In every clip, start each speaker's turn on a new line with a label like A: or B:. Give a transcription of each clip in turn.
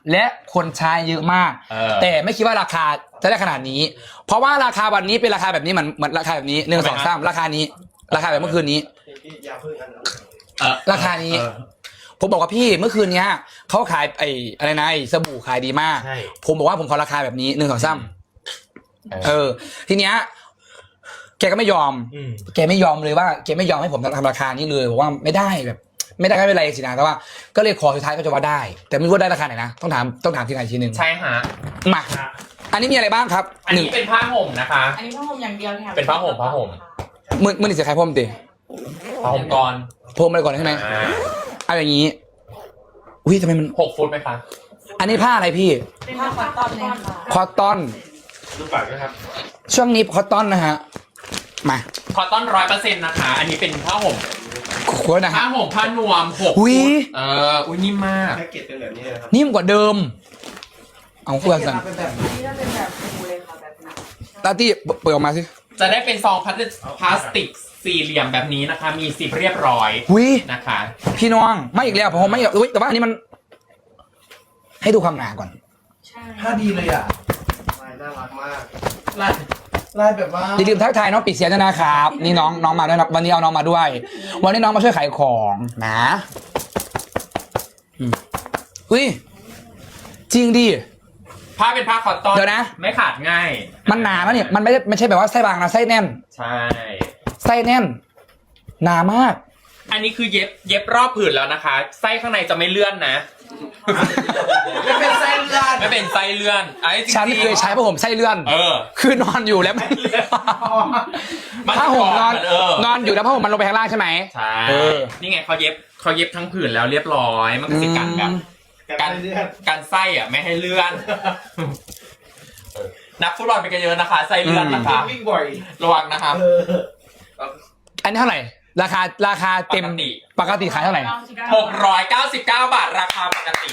A: และคนใช้เยอะมากแต่ไม่คิดว่าราคาจะได้ขนาดนี้เพราะว่าราคาวันนี้เป็นราคาแบบนี้เหมือนราคาแบบนี้1 2 3ราคานี้ราคาแบบเมื่อคืนนี้ราคานี้ผมบอกว่าพี่เมื่อคืนนี้เขาขายอะไรนะสบู่ขายดีมากผมบอกว่าผมขอราคาแบบนี้1 2 3ทีเนี้ยแกก็ไม่ยอมแกไม่ยอมเลยว่าแกไม่ยอมให้ผมทำราคานี้เลยบอกว่าไม่ได้แบบไม่ได้ก็ไม่เป็นไรสินะแต่ว่าก็เลยขอสุดท้ายก็จะว่าได้แต่ไม่รู้ว่าได้ราคาไหนนะต้องถามทีไหนทีนึง
B: ใช่ฮะ
A: มาอันนี้มีอะไรบ้างครับ
B: อันนี้เป็นผ้าห่มนะคะ
C: อันนี้ผ้าห่มอย่างเดียวเนี่ย
B: เป็นผ้าห่ม
A: มือนี่เสียใครพรมติ
B: ผ้าห่มก่อน
A: พรมอะไรก่อนใช่ไหมเอาอย่างนี้อุ้ยทำไมมัน
B: 6 ฟุตไหมคะ
A: อันนี้ผ้าอะไรพี่
C: เป็นผ้าคอตตอนเลยค่ะ
A: คอตตอน
B: ดูปากด้วยครับ
A: ช่วงนี้คอตตอนนะฮะมา
B: คอตตอน 100% นะคะอันนี้เป็นผ้าห่ม
A: ขวดนะ
B: ผ้าห่มผ้านวม6
A: ฟุต
B: อุ้ยนิ่มมาก
D: แพ็กเกจเป็นแบบนี้นะครับ
A: นิ่มกว่าเดิมเอาเพื่อนสั่ง
C: นี่จะเป็นแบบฟูเลยค่ะแบบนี้
A: ลาตี้เปิดออกมาสิ
B: จะได้เป็นซองพลาสติกสี่เหลี่ยมแบบนี้นะคะมีซิปเรียบร้อยนะคะ
A: พี่น้องไม่อีกแล้วผมไม่อุ้ยแต่ว่าอันนี้มันให้ดูความหนาก่อน
D: ผ้าดีเลยอ่ะลายน่ารักมากลายแบบว่า
A: อย่าลืมทักทายน้องปิดเสียงด้วยนะครับนี่น้องมาด้วยนะวันนี้เอาน้องมาด้วยวันนี้น้องมาช่วยขายของนะอุ้ยจริงดิ
B: ผ้าเป็นผ้าคอตตอน
A: เดี๋ยวนะ
B: ไม่ขาดง่าย
A: มันหนาแล้วเนี่ยมันไม่ใช่แบบว่าไส้บางนะไส้แน่น
B: ใช่
A: ไส้แน่นหนามาก
B: อันนี้คือเย็บรอบผืนแล้วนะคะไส้ข้างในจะไม่เลื่อนนะ
D: ไม่เป็นไส้เลื่อน
B: ไม่เป็นไส้เลื่อน
A: ฉันเคยใช้ผ้าห่มไส้เลื่อนคือนอนอยู่แล้วผ้าห่มนอนอยู่แล้วผ้าห่มมันลงไปข้างล่างใช่ไหม
B: ใช่นี่ไงเขาเย็บทั้งผืนแล้วเรียบร้อยมันก็สิกันแบบการไส้อ่ะไม่ให้เลื่อนนักฟุตบอลเป็นกันเยอะนะคะไส้เลื่อนนะคะ
D: วิ่งบ่อย
B: ระวังนะครับ
A: อันนี้เท่าไหร่ราคาเต็มปกติขายเท่าไหร่
B: 699 บาทราคาปกติ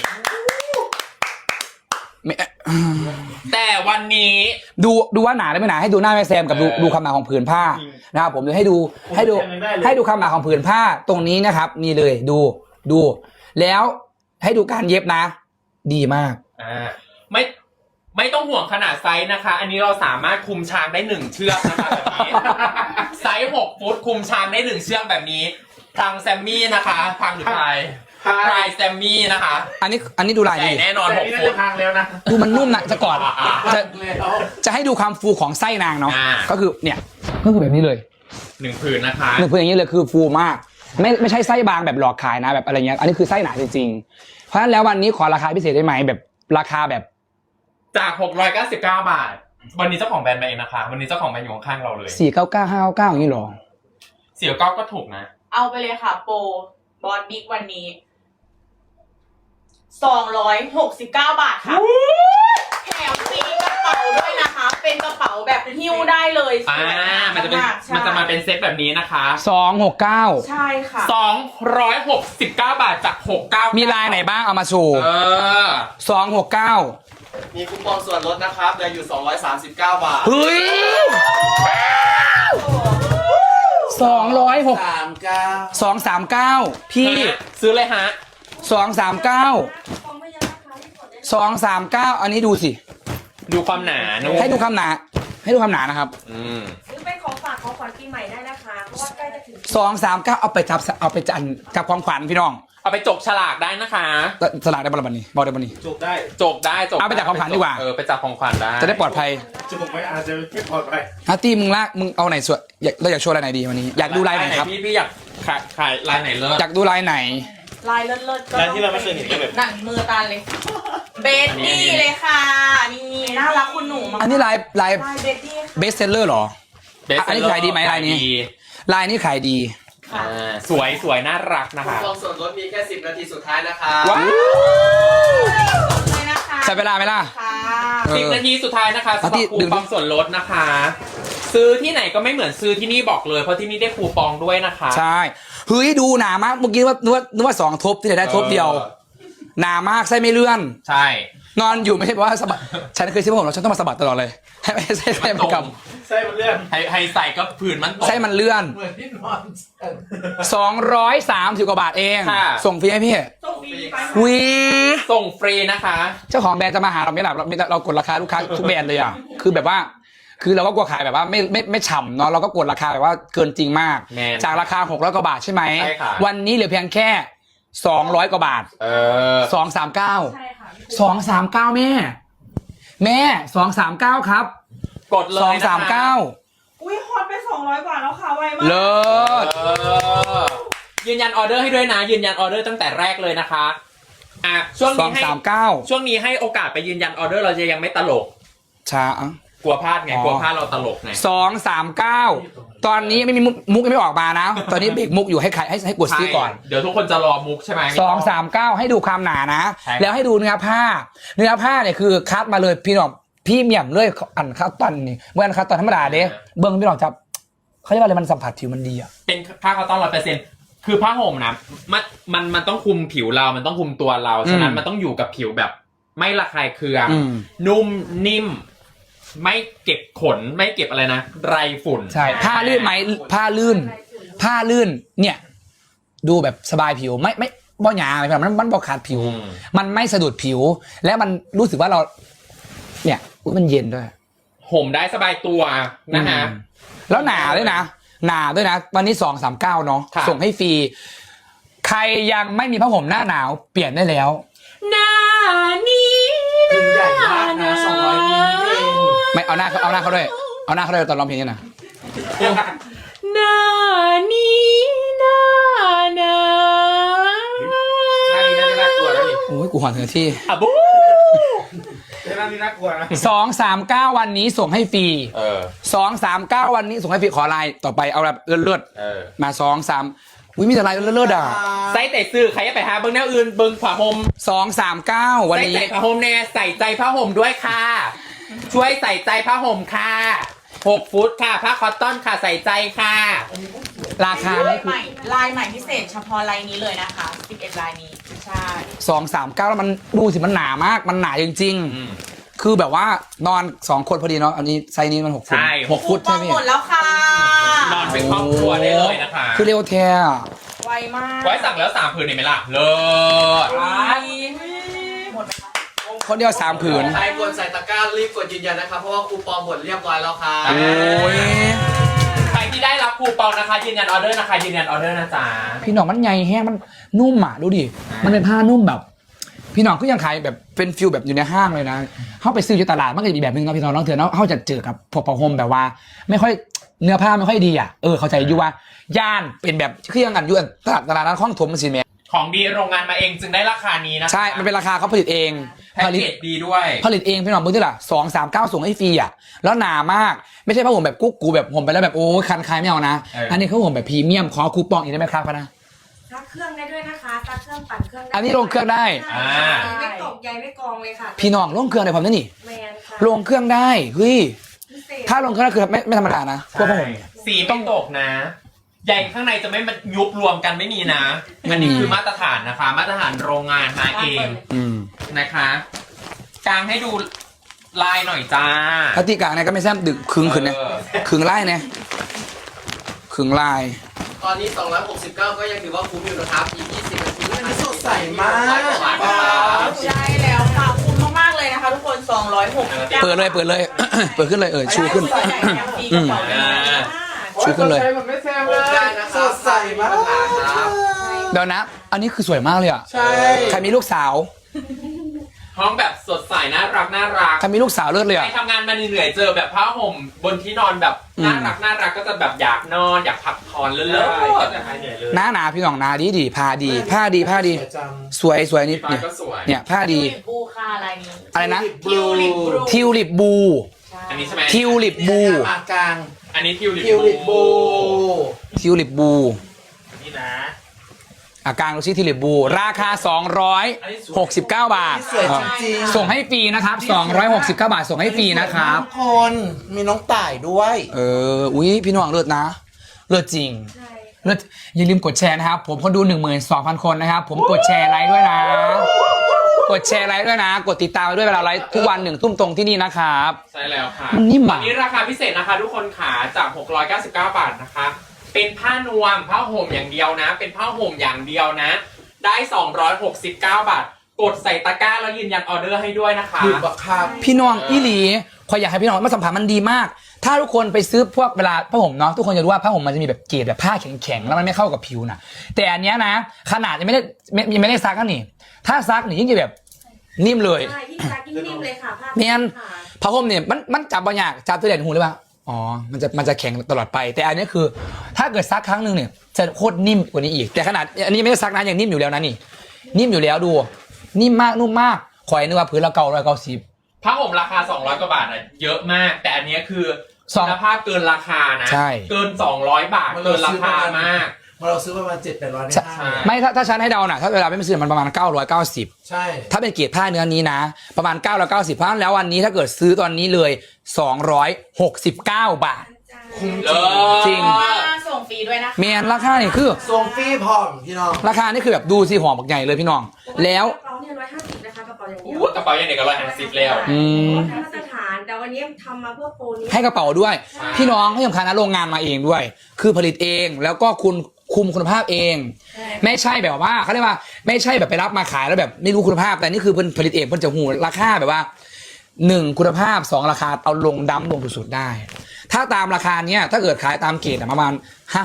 B: แต่วันนี้
A: ดูว่าหนาหรือไม่หนาให้ดูหน้าแม่แซมกับดูความหนาของผืนผ้านะครับผมจะให้ดูความหนาของผืนผ้าตรงนี้นะครับนี่เลยดูแล้วให้ดูการเย็บนะดีมาก
B: ไม่ต้องห่วงขนาดไซส์นะคะอันนี้เราสามารถคุมช้างได้1 เชือกนะคะแบบนี้ไซส์6 ฟุตคุมช้างได้1 เชือกแบบนี้ทางแซมมี่นะคะทางหรือไทยแซมมี่นะคะ
A: อันนี้ดูลายดี
B: แน่นอน6 ฟุต
D: ทางแล้วนะ
A: ดูมันนุ่มนะจะกอดจะให้ดูความฟูของไส้นางเนาะก็คือเนี่ยก็คือแบบนี้เลย
B: 1 ผืนนะคะ
A: 1 ผืนอย่างนี้เลยคือฟูมากไม่ใช่ไส้บางแบบหลอกขายนะแบบอะไรเงี้ยอันนี้คือไส้หนาจริงๆเพราะฉะนั้นแล้ววันนี้ขอราคาพิเศษได้ไหมแบบราคาแบบ
B: จาก699 บาทวันนี้เจ้าของแบรนด์มาเองนะคะวันนี้เจ้าของแบรนด์อยู่ข้างเราเลย
A: 499 599อย่างนี้หรอ
B: 499ก็ถูกนะ
C: เอาไปเลยค่ะโปรบอสบิ๊กวันนี้269 บาทค่ะแถมฟรีกระเป๋าด้วยนะคะเป็นกระเป๋าแบบหิ้วได้เลย
B: มันจะมาเป็นเซตแบบนี้นะคะ
A: 269
C: ใช่ค่ะ
B: 269 บาทจาก69
A: มีลายไหนบ้างเอามาโชว์269
D: มีคูปองส่วนลดนะครับเหลืออยู่239 บาท
A: เฮ้ย239พี่
B: ซื้อเลยฮะ
A: 239อันนี้ดูสิ
B: ดูความหนา
A: ให้ดูความหนานะครับ
C: หรือเป็นของฝากของขวัญปีใหม่ได้นะคะเพราะว่าใกล้จะถึง
A: 239เอาไปจับความขวัญพี่น้อง
B: เอาไปจกฉลากได้นะคะ
A: ฉลากได้บอลบันนี้บอลได้บันนี้
D: จกได้
A: เอาไปจับของขวัญดีกว่า
B: ไปจับของขวัญได้
A: จะได้ปลอดภัย
D: จกไม่อาจจะไม่ปลอดภัย
A: ฮัตตี้มึงเอาไหนสวยเราอยากโชว์ลายไหนดีวันนี้อยากดูลายไหนครับ
B: พี่อยากขายลายไหนเลิศ
A: อยากดูลายไหน
C: ลายเลิศ
D: ก็ลายที่เราไม่เคยเห็นแบบ
C: หนังมือตาเลยเบสตี้เลยค่ะนี่น่ารักคุณหนู
A: อันนี้ลายเบสเซลเลอร์หรออันนี้ขายดีไหมลายนี้ขายดี
B: สวยน่ารักนะคะ
D: คูปองส่วนลดมีแค่10 นาทีสุดท้ายนะคะ
A: ใช้เวลาไหมล่ะ
B: 10 นาทีสุดท้ายนะคะสำหรับคูปองส่วนลดนะคะซื้อที่ไหนก็ไม่เหมือนซื้อที่นี่บอกเลยเพราะที่นี่ได้คูปองด้วยนะคะ
A: ใช่เฮ้ยดูหนามากเมื่อกี้นึกว่า2 ทบที่ไหนได้ทบเดียวหนามากไส้ไม่เลื่อน
B: ใช่
A: นอนอยู่ไม่ใช่เพราะว่าสะบัดฉันเคยซื้อผ้าห่มแล้วฉันต้องมาสะบัดตลอดเลยให้ไม่ใช่ไส้มันก
D: ไส้มันเลื่อน
B: ให้ใส่ก็ผื่นมันต
A: ำ
B: ก
A: ไส้มันเลื่อน
D: เหมือนที่นอน
A: 230 กว่าบาทเอง
B: ค่ะ
A: ส่งฟรีให้พี่
C: ส่งฟรีไป
A: วี
B: ส่งฟรีนะคะ
A: เจ้าของแบรนด์จะมาหาเราไม่หลับเรากดราคาลูกค้าทุกแบรนด์เลยอ่ะคือแบบว่า คือเราก็กลัวขายแบบว่าไม่ฉ่ำเนาะเราก็กดราคาแบบว่าเกินจริงมาก
B: แม่น
A: จากราคา600 กว่าบาทใช่ไหม
B: ใช่ค่ะ
A: วันนี้เหลือเพียงแค่200 กว่าบาท 239
C: ใช่ค่ะ
A: 239แม่239ครับ
B: กดเลยนะคะ
A: 239
C: อุ้ยฮอตไป200 กว่าแล้วค่ะไวมาก
A: เลิศ
B: ยืนยันออเดอร์ให้ด้วยนะ ยืนยันออเดอร์ตั้งแต่แรกเลยนะคะอ่ะช่วงนี้ให้
A: 239
B: ช่วงนี้ให้โอกาสไปยืนยันออเดอร์เราจะยังไม่ตลก
A: ช้าก
B: ลัวพลาดไง
A: อ๋อ
B: กลัวพลาดเราตลกไง
A: 239 ตอนนี้ไม่มีมุกยังไม่ออกมานะ ตอนนี้เบรกมุกอยู่ให้ใครให้กดซื้อก่อน
B: ใช่เดี๋ยวทุกคนจะรอมุกใช่ไหม
A: 239 ให้ดูความหนานะ
B: ใช่ครับ
A: แล้วให้ดูเนื้อผ้าเนี่ยคือคัดมาเลยพี่น้องพี่เมี่ยมเลยอันคัดตอนนี่เมื่ออันคัดตอนธรรมดาเด้เบิ้งพี่น้องจับเขาเรียกว่าอะไรมันสัมผัสผิวมันดีอะ
B: เป็นผ้าคอตตอน100%คือผ้าห่มนะมันต้องคุมผิวเรา มันต้องคุมตัวเรา ฉะนั้นมันต้องอยู่กับผิวแบบ ไม่ระคายเคือง นุ่มนิ่ม ไม่เก็บขนไม่เก็บอะไรนะไรฝุ่น
A: ใช่ผ้าลื่นไหมผ้าลื่นเนี่ย ดูแบบสบายผิวไม่บ่หยาอะไรแบบมันบ่ขาดผิว มันไม่สะดุดผิว และมันรู้สึกว่าเรา เนี่ยอุ๊ยมันเย็นด้วย
B: ห่มได้สบายตัวนะฮะ
A: แล้วหนาด้วยนะวันนี้239เนาะ
B: ครับ
A: ส่งให้ฟรีใครยังไม่มีผ้าห่มหน้าหนาวเปลี่ยนได้แล้ว
B: หน้านี้
D: เป็นใหญ่มากนะ200มิลเอง
A: ไม่เอาหน้าเขาด้วยเอาหน้าเขาด้วยตอนร้องเพลงนี่นะ
B: หน้านี้หน้าหนา
D: หน้านี้น่ากลัวนะนี่
A: โอ้ยกูหอนเธอที่
B: อะบู
D: หน้านี้น่ากลัวนะ
A: 239วันนี้ส่งให้ฟรี 239วันนี้ส่งให้ฟรีขอไลน์ต่อไปเอาแบบเลือดๆมา23อุ้ยมีแต่ไลน์เลือดๆอ่ะ
B: ใส่แต่ซื้อใครจะไปหาเบิ้งแนวอื่นเบิ้งผ้าห่ม
A: 239วัน
B: ใส่
A: นี้
B: ใจผ้าห่มแน่ใส่ใจผ้าห่มด้วยค่ะ ช่วยใส่ใจผ้าห่มค่ะ6 ฟุตค่ะผ้าคอตตอนค่ะใส่ใจค่ะ
A: ราคา
C: ลา
A: นี่
C: ยใหม่ลายใหม่พิเศษเฉพาะลายนี้เลยนะคะ11ลายนี้ใช่
A: 239แล้วมันดูสิมันหนามากมันหนาจริงๆคือแบบว่านอน2คนพอดีเนาะอันนี้ไซส์นี้มัน6 ฟุต
B: ใช่
A: 6 ฟุตใช่ไหม
C: หมดแล้วค่ะ
B: นอนเป็นครอบครัวได้เลยนะคะ
A: คือเร็วแท้
C: ไวมาก
B: ไว้สั่งแล้ว3 ผืนเห็นไหมล่ะเลิศ
C: หมดไหมคะ
A: คนเดียว3 ผืน
D: ใครกดใส่ตะกร้ารีบกดยืนยันนะครับเพราะว่าคูปองหมดเรียบร้อยแล้วค่ะ
A: โอ้ย
B: ใครที่ได้รับคูปองนะคะยืนยันออเดอร์นะคะยืนยันออเดอร์นะจ๊ะ
A: พี่หน้องมันใหญ่แห้งมันนุ่มอ่ะดูดิมันเป็นผ้านุ่มแบบ พี่หน้องก็ยังขายแบบเป็นฟิลแบบอยู่ในห้างเลยนะเขาไปซื้อที่ตลาดมันก็จะมีแบบนึงนะพี่น้องน้องเถื่อนเนาะเขาจะเจอกับพวกผ้าห่มแบบว่า ไม่ค่อยเนื้อผ้าไม่ค่อยดีอ่ะเข้าใจอยู่ว่าย่านเป็นแบบเครื่องอันยวนตลาดนั้นข้องถมมันสิแม่
B: ของดีโรงงานมาเองจึงได้ราคานี้นะคะ
A: ใช่มันเป็นราคาเขาผลิตเอง
B: แพ็ก
A: ผลิต
B: เกจดีด้วย
A: ผลิตเองพี่น้องเบอร์ที่ละ239ส่งให้ฟรีอ่ะแล้วหนามากไม่ใช่ผ้าห่มแบบกุ๊กกูแบบห่มไปแล้วแบบโอ้คันคายไม่เอานะ อันนี้เขาห่มแบบพรีเมียมขอคูปองอีกได้ไหมครับพะนะ
E: ซักเครื่องได้ด้วยนะคะซักเครื่องปั่นเครื่องได้
A: อันนี้ลงเครื่องได้
E: ไม่ตกใยไม่กองเลยค่ะ
A: พี่น้องลงเครื่องได้พร้อมนั่นนี่
E: แมนค่ะ
A: ลงเครื่องได้เฮ้ย
E: พิเศษ
A: ถ้าลงเครื่องได้คือไม่ธรรมดานะพวกผ้าห่ม
B: สีไม่ตกนะ ใหญ่ข้างในจะไม่มันยุบรวมกันไม่มีนะ อันนี้คือมาตรฐานนะคะ มาตรฐานโรงงานมาเอง
A: อืม
B: นะคะกางให้ดูลายหน่อยจ้า
A: พติกาเนี่ยก็ไม่แซ่บดึกครึ่งขึ้นเนี่ย
B: เออ
A: ครึ่งไล่เนี่ยครึ่งลาย
D: ตอนนี้269ก็ยังถือว่าคุ้มอยู่นะครับอีก20นาทีอันนี้สดใสมาก
C: ใช่แล้วค่ะคุ้มมากๆเลยนะคะทุกคน269
A: เปิดเลย เปิดขึ้นเลยชูขึ้น
C: ใส่ใหญ่แถมฟรีกระเป๋าเลยนะคะ
A: ชูขึ้นเลย
D: มันไม่แซมเลยได้นะครับสดใสมากครับ
A: เดี๋ยวนะ อันนี้คือสวยมากเลยอ่ะ
D: ใช่
A: ใครมีลูกสาว
B: ห้องแบบสดใสน่ารักน่ารัก
A: ใครมีลูกสาวเลิศเลย
B: ใคร
A: อ่ะ
B: ทำงานมาเหนื่อยๆเจอแบบผ้าห่มบนที่นอนแบบน่ารักน่ารักก็จะแบบอยากนอนอยากพักผ่อนเลิศ
A: หน้าพี่น้องหนาดีผ้าดีผ้าดี
D: จัง
A: สวยนิด
B: ฟ้า
A: เนี่ย
B: ก็สวย
A: เนี่ยผ้าดี
C: ทิวลิปบูค่ะลายนี้
A: อะไรนะ
C: ทิวลิปบู
A: ทิวลิปบู
B: อันนี้ใช่ไหม
A: ทิวลิปบู
D: ปากกลาง
B: อันนี้ทิวลิป
D: ทิวลิปบู
A: ทิวลิปบู
B: นี่นะ
A: กลางดูซิทิวลิปบู ราคา269 บาท
D: สวยจริงๆ
A: ส่งให้ฟรีนะครับ269 บาทส่งให้ฟรีนะครับ
D: ทุกคนมีน้องต่ายด้วย
A: อุ้ยพี่น้องเลิศนะเลิศจริง
E: ใช่
A: เลิศอย่าลืมกดแชร์นะครับ ผมคนดู 12,000 คนนะครับ ผมกดแชร์ไลค์ด้วยนะกดแชร์ไลค์ด้วยนะ กดติดตามด้วยเวลาไลฟ์ทุกวัน1 ทุ่มตรงที่นี่นะครับ
B: ใช่แล้วค่ะ
A: มันนิ่ม
B: วั
A: อ่ะ
B: นนี้ราคาพิเศษนะคะทุกคนขาจาก699 บาทนะคะ เป็นผ้านวมผ้าห่มอย่างเดียวนะ เป็นผ้าห่มอย่างเดียวนะ ได้269 บาท กดใส่ตะกร้าแล้วยืนยันออเดอร์ให้ด้วยนะคะ
D: ถูกบักคับ
A: พี่น้องอีหลีขออยากให้พี่น้องมาสัมผัสมันดีมาก ถ้าทุกคนไปซื้อพวกเวลาผ้าห่มเนาะทุกคนจะรู้ว่าผ้าห่มมันจะมีแบบเกรดแบบผ้าแข็งๆแล้วมันไม่เข้ากับผิวนะแต่อันเนี้ยนะขนาดยังไม่ได้ซักกันนี่ถ้าซักนี่ยิ่งจะแบบนิ่มเลย
E: ใช่ยิ่งซักยิ่งนิ่มเลยค่ะผ้า
A: เมียน
E: ค่ะ
A: ผ้าห่มเนี่ยมันจับบางอย่างจับตัวเด่นหูหรือเปล่าอ๋อมันจะแข็งตลอดไป แต่อันนี้คือ ถ้าเกิดซักครั้งหนึ่งเนี่ยจะโคตรนิ่มกว่านี้อีก แต่ขนาดอันนี้ไม่ได้ซักนะยังนิ่มอยู่แล้วนะนี่ นิ่มอยู่แล้วดู นิ่มมากนุ่มมากขอยนึกว่าพื้นละ990
B: ผ้าห่มราคา200 กว่าบาทอะเยอะมาก แต่อันเนี้ยคือ
A: สอง
B: คุณภาพเกินราคานะ
A: ใช่
B: เกิน200 บาทเกินราคามาก
D: เราซื้อประมาณ700-800ใน
A: ใช่
D: ห้าง
A: ไม่ถ้าฉันให้เดาน่ะถ้าเวลาไม่ซื้อมันประมาณ990
D: ใช่
A: ถ้าเป็นเกรดผ้าเนื้อนี้นะ ประมาณ990เพราะฉะนั้นแล้ววันนี้ถ้าเกิดซื้อตอนนี้เลย269 บาท จริง
C: ส่งฟรีด้วยนะคะ
A: เมียนราคานี่คือ
D: ส่งฟรีพร้อมพี่น้อง
A: ราคานี่คือแบบดูสิหอมบักใหญ่เลยพี่น้อง แล้ว
E: กระเป๋าเนี่ย150นะคะกระเป๋าอย่างเดียว
B: อู้กระเป๋าอย่างเด็กก็150แล้ว
A: อืม
E: มาตรฐานแต่วันนี้ทำมาเพื่อโปรนี้
A: ให้กระเป๋าด้วย พี่น้องที่สำคัญนะโรงงานมาเองด้วย คือผลิตเองแล้วก็คุณคุมคุณภาพเอง ไม่ใช่แบบว่าเขาเรียกว่าไม่ใช่แบบไปรับมาขายแล้วแบบไม่รู้คุณภาพแต่นี่คือเพิ่นผลิตเองเพิ่นจะหูราคาแบบว่า1คุณภาพ2ราคาเอาลงดั้มลงสุดๆได้ ถ้าตามราคาเนี้ยถ้าเกิดขายตามเกรดอะประมาณ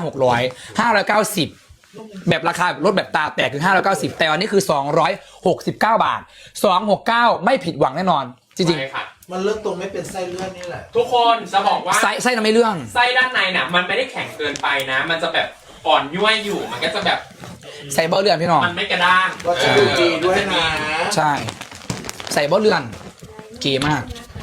A: 590 แบบราคาลดแบบตาแตกคือ590แต่อันนี้คือ269 บาท269ไม่ผิดหวังแน่นอนจริง
B: ใช่ค่ะ
D: มันเริ่มตรงไม่เป็นไส้เลื่อนนี่แหละ
B: ทุกคนจะบอกว่า
A: ๆไส้น่ะไม่เรื่อง
B: ไส้ด้านในน่ะมันไม่ได้แข็งเกินไปนะ มันจะแบบอ่อนย่วยอยู่มันก็จะแบบ
A: ใส่เบาเรือนพี่น้อง
B: มันไม่กระด้าง
D: ก็จะดูดีด้วยนะ
A: ใช่ ใส่เบาเรือนเก๋มาก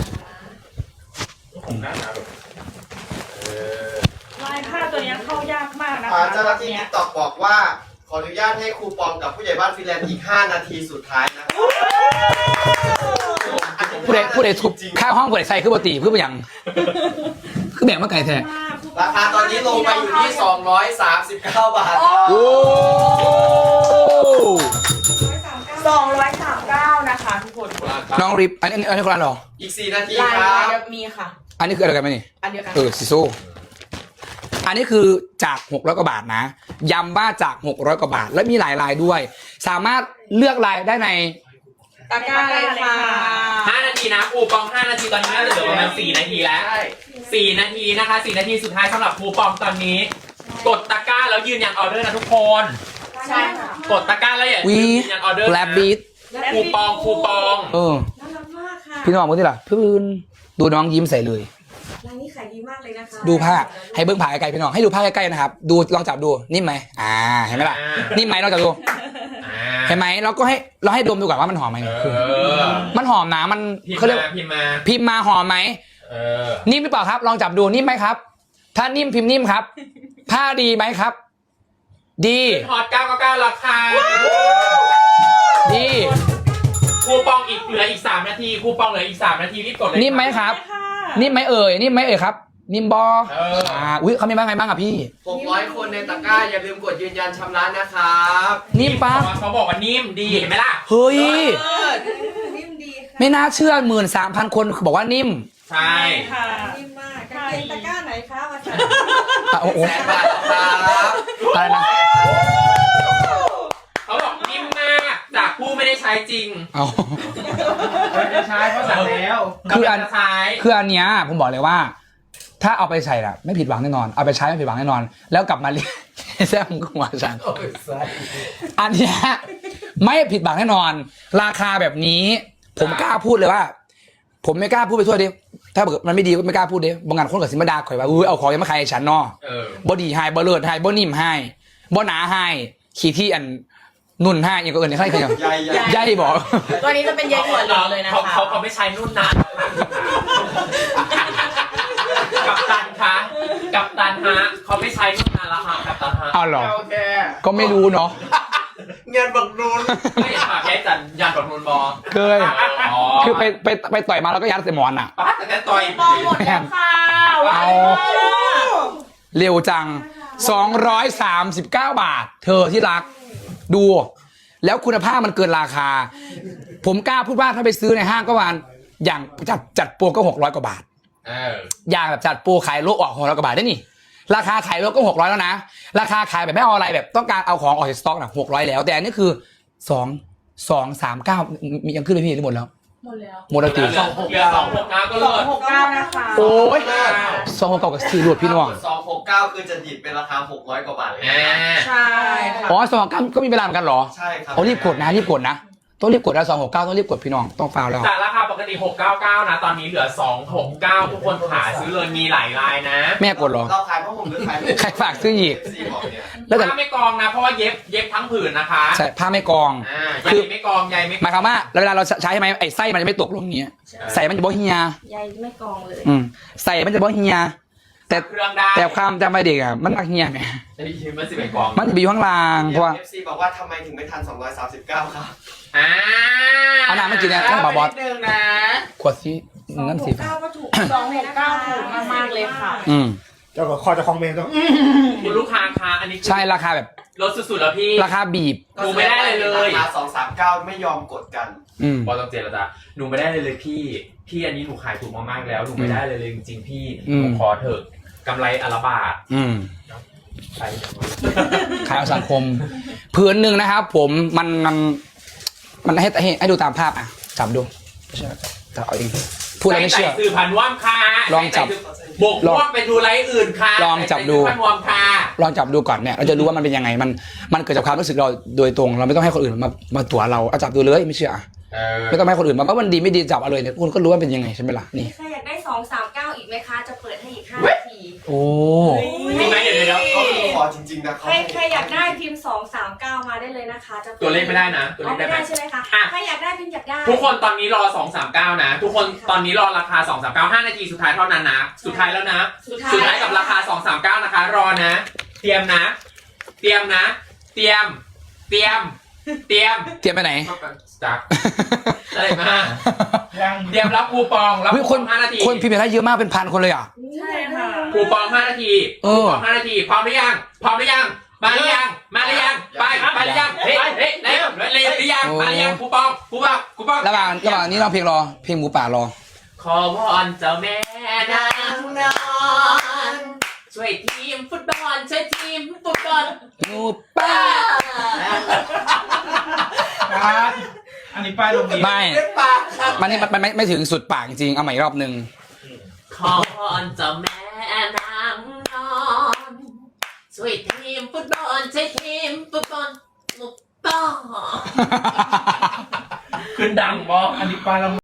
C: ลายผ้าตัวเนี้ยเข้ายากมากนะคะ
F: เจ้าหน้าที่ติ๊กต็อกบอกว่า ขออนุญาตให้คูปองกับผู้ใหญ่บ้านฟินแลนด์อีก 5 นาทีสุดท้ายนะครับ
A: ผู้ใดทุบค่าห้องผู้ใดใส่คือปกติเพื่อไปยังคือแบ่งมาไก่แท้
F: ราคาตอนนี้ลงไปอยู่ที่ 239 บาท
A: โอ้
C: 239นะคะทุกคน
A: น้องริบอันนี้คนละหรอ
F: อีก 4 นาที
C: ลาย
F: ครับ
C: เดียวมีค่ะ
A: อันนี้คืออะไรกันไหมนี่
C: อันเดียวกัน
A: ซิโซ่อันนี้คือจาก600 กว่าบาทนะย้ำว่าจาก600 กว่าบาท และมีหลายลายด้วย สามารถเลือกลายได้ใน
C: ตะกร้าเลยค่ะ
B: 5 นาทีนะคูปอง 5 นาทีตอนนี้น่าจะเหลือประมาณ4 นาทีแล้ว 4 นาทีนะคะ 4 นาทีสุดท้ายสำหรับคูปองตอนนี้ กดตะกร้าแล้วยืนยันออเดอร์นะทุกคน
C: ใช่ค่ะ
B: กดตะกร้าแล้วอย่าลื
A: วี
B: มยืนยันออเดอร์
A: แลบ
B: นะ
A: บีท
B: คูปอง
A: เออ
E: น่ารักมากค่ะ
A: พี่น้องมึงที่ล่ะพื้นดูน้องยิ้มใส่เลย
E: ร้านนี้ขายดีมากเลยนะคะ
A: ดูผ้าให้เบิ้งผ้าไกลๆพี่น้องให้ดูผ้าใกล้ๆนะครับดูลองจับดูนิ่มไหมเห็นไหมล่ะนิ่มไหมลองจับดู
B: อ่า
A: เห็นไหมเราก็ให้ดมดูก่อนว่ามันหอมไหม
B: เอ
A: คือ
B: อ
A: มันหอมนะมัน
B: พิม
A: เขา
B: พ์
A: เรียก
B: มาพิมพ์มา
A: พิมพ์มาหอมไหม
B: เออ
A: นิ่มหรือเปล่าครับ ลองจับดูนิ่มไหมครับ ถ้านิ่มพิมพ์นิ่มครับ ผ้าดีไหมครับ ดี
B: ฮอต999ราคา
A: ดี
B: คูปองอีกเหลืออีก3 นาทีคูปองเหลืออีก3 นาทีรีบกดเลย
A: นิ่มไหมครับ นิ่มไหมเอ่ยนิ่มไหมเอ่ยครับ นิ่มบอ
B: เออ
A: อุ้ยเขามีบ้างไงบ้างอ่ะพี่
F: 600 คนในตะกร้า อย่าลืมกดยืนยันชำระนะครับ
A: นิ่มปะ
B: เขาบอกว่านิ่มดีเห็นไหมล่ะ
A: เฮ้ย
E: นิ่มดีค่ะ
A: ไม่น่าเชื่อ13,000 คนบอกว่านิ่ม
B: ใช่
C: ค่ะ
E: นิ่มมากกางเกงตะกร้าไหนคะมาใส่
A: โอ้โห
F: แสนบาทครับ
A: อะไรนะ
B: เขาบอกนิ่มมากจากผู้ไม่ได้ใช้จริง
A: เอา
D: จะใช้เพราะสั่งแล้ว
A: คืออัน
B: กำลังจะใช้
A: คืออันเนี้ยผมบอกเลยว่า ถ้าเอาไปใส่ละไม่ผิดหวังแน่นอนเอาไปใช้ไม่ผิดหวังแน่นอน แล้วกลับมาเรียน แซ่บมึงก็หัวฉัน
D: โอ้ยใส่
A: อันเนี้ยไม่ผิดหวังแน่นอน ราคาแบบนี้ ผมกล้าพูดเลยว่า ผมไม่กล้าพูดไปทั่วดิถ้าเกิดมันไม่ดีก็ไม่กล้าพูดดิบางงานคนกับสิมาดาข่อยว่าเอาของยังมาขายให้ฉันเนาะ
B: เออ
A: บ่ดีให้บ่เลิศให้บ่นิ่มให้บ่หนาให้ขี้ที่อันนุ่นให้อย่างก็เอิญในใครอย่าง
F: ใหญ่ใหญ่
A: ใหญ่บอก
C: ตัวนี้จะเป็นใยถั่วเหลืองเลยนะคะ
B: เขาไม่ใช้นุ่นนะกับตันคะกับตันฮะเขาไม่ใช้นุ่นนานแล้วค่ะกับตันฮะ
A: เอาเหรอ
D: โอเค
A: ก็ไม่รู้เนาะ
D: เงียนบักนูน
B: ไม่เห็นค่ะแค่จันยันกับนุ่นบอ
A: เคย
B: อ๋อ
A: คือไปต่อยมาแล้วก็ยัดใส่หมอนอ่ะ
B: ป้าแต่แค่ต่อย
C: ปองหมดแล้วค่ะ
A: เอา เร็วจัง 239 บาท เธอที่รัก ดู แล้วคุณภาพมันเกินราคาผมกล้าพูดว่าถ้าไปซื้อในห้างก็ประมาณอย่างจัดโปรก็600 กว่าบาท อย่างแบบจัดโปรขายโลออก600 กว่าบาทได้นี่ราคาขายโลก็600แล้วนะราคาขายแบบไม่เอาอะไรแบบต้องการเอาของออกจากสต็อกนะ600แล้วแต่อันนี้คือ239มียังขึ้นไปพี่หรือหมดแล้ว
C: หมดแล้ว
A: หมดแล้วตี
B: เหลือ269ก็เลิศ
C: 269นะคะ
A: โอ้ย269กับ4รวดพี่น้อง
F: 269 คือจะดิบเป็นราคา600 กว่าบาทเลย
C: ใช่ค่ะ
A: อ๋อ269ก็มีเวลาเหมือนกันเหรอ
F: ใช่ครับ
A: เอารีบกดนะต้องรีบกดนะ269ต้องรีบกดพี่น้องต้องฟาวแล้ว
B: จากราคาปกติ699นะตอนนี้เหลือ269ทุกคนขาซื้อเลยมีหลายลายนะ
A: แม่กดเหรอ
F: เราขายเพราะผมหรือขาย
A: ใครฝากซื้ออีก
F: ซีบอกเนี่ย
A: แล้วแต่
B: ผ้าไม่กองนะเพราะว่าเย็บทั้งผืนนะคะ
A: ใช่ผ้าไม่กอง
B: ใยไม่กองใยไม่
A: หมายความว่าเวลาเราใช้ไหมไอ้ไส้มันจะไม่ตกลงอย่างเงี้ยใส่มันจะบ่เฮีย
E: ใยไม่กองเลย
A: ใส่มันจะบ่เฮียแต่
B: เครื่องได้
A: แต่ความจำไปเด็กอ่ะมันมักเฮียไง
B: มันสิบเอ็ดกอง
A: มันจะไปอยู่ข้างล่างเพราะว่า
F: เอฟซีบอกว่าทำไมถึงไม่ทัน239 ครับ
A: เอาน้ำมากินเนี่ยท่านบอส
B: นิดนึงนะ
A: ขวดสีนั่นสิ
E: 269ก็ถูก
C: 269ถูกมากๆเลยค่ะ
D: เจ้าก็คอจะคอมเมนต์ต้อง
B: คุณลูกค้าคะอันนี้
A: ใช่ราคาแบบ
B: ลดสุดๆแล้วพี่
A: ราคาบีบ
B: ดูไม่ได้เลย
F: ราคา239 ไม่ยอมกดกัน
B: บอลต้องเจรจาหนูไม่ได้เลยพี่อันนี้หนูขายถูกมากๆแล้วหนูไม่ได้เลยจริงๆพี่หนูขอเถอะกำไรอนละบาทใช่
A: ขายเอาสังคมพื้นหนึ่งนะครับผมมันให้ดูตามภาพอ่ะจับดูไม่ใช่จับเอาเองพูดแล้วไม่เชื่อ
B: ใส่สื่อพันว่ามค่ะ
A: ลองจับ
B: บกว่ามไปดูไลฟ์อื่นค่ะ
A: ลองจับดู
B: ใส่สื่อพันว่ามค่ะ
A: ลองจับดูก่อนเนี่ยเราจะรู้ว่ามันเป็นยังไงมันเกิดจากความรู้สึกเราโดยตรงเราไม่ต้องให้คนอื่นมาตั๋วเราเอาจับดูเลยไม่เชื่อไม่ต้องให้คนอื่นมาว่ามันดีไม่ดีจับเอาเลยเนี่ยคุณก็รู้ว่าเป็นยังไงใช่ไหมล่ะนี่
E: ใครอยากได้239อีกไหมคะ จะเปิดให้อีก5 นาที
A: โอ้
B: จริงไหมเดี๋ยว
F: เขาขอจริงๆนะเขา
E: ใครอยากได้พิมพ์239มาได้เลยนะคะจะปิ
B: ตัวเลขไม่ได้นะตัวเล
E: อ๋อ
B: ขได้
E: ไม่
B: ไหม
E: ได้ใช่ไหมคะ
B: อ่ะ
E: ใครอยากได้พิมพ์อยากได้
B: ทุกคนตอนนี้รอ239นะทุกคนตอนนี้รอราคา239 5 นาทีสุดท้ายเท่านั้นนะสุดท้ายแล้วนะ
E: สุด
B: สุด
E: ท้า
B: ท้าย ยกับราคา239นะคะรอนะ เตรียมนะ เตรียม
A: ไปไหน
B: จักอะไรมาเตรียมรับคูปองรับ
A: เฮ้ย
B: คู
A: ค
B: ป
A: น
B: อง5 นาที
A: คนพิมพ์ไปได้เยอะมากเป็นพันคนเลยอ่ะ
C: ใช่ค่ะ
B: คูปอง5 นาทีคูปอง5 นาทีพร้อมหรือยังมาหรือยังไปหรือยังหรือยังเฮ้ยเร็วหรือยังมาหรือยังคูปอง
A: ระหว่างนี้เราเพลงรอเพลงหมูป่ารอ
B: ขอวอนเจ้าแม่นางนอนช่วยทีมฟุตบอล
A: หมูป่า
D: อันนี้ป้ายโรงเรียน
A: ไม่มันนี่มันไม่ถึงสุดปากจริงๆเอาใหม่อีกรอบนึง
B: ขอวอนเจ้าแม่นางนอนช่วยทีมฟุตบอลหมูป่าขึ้นดังบ่
D: อันนี้ป้ายโรง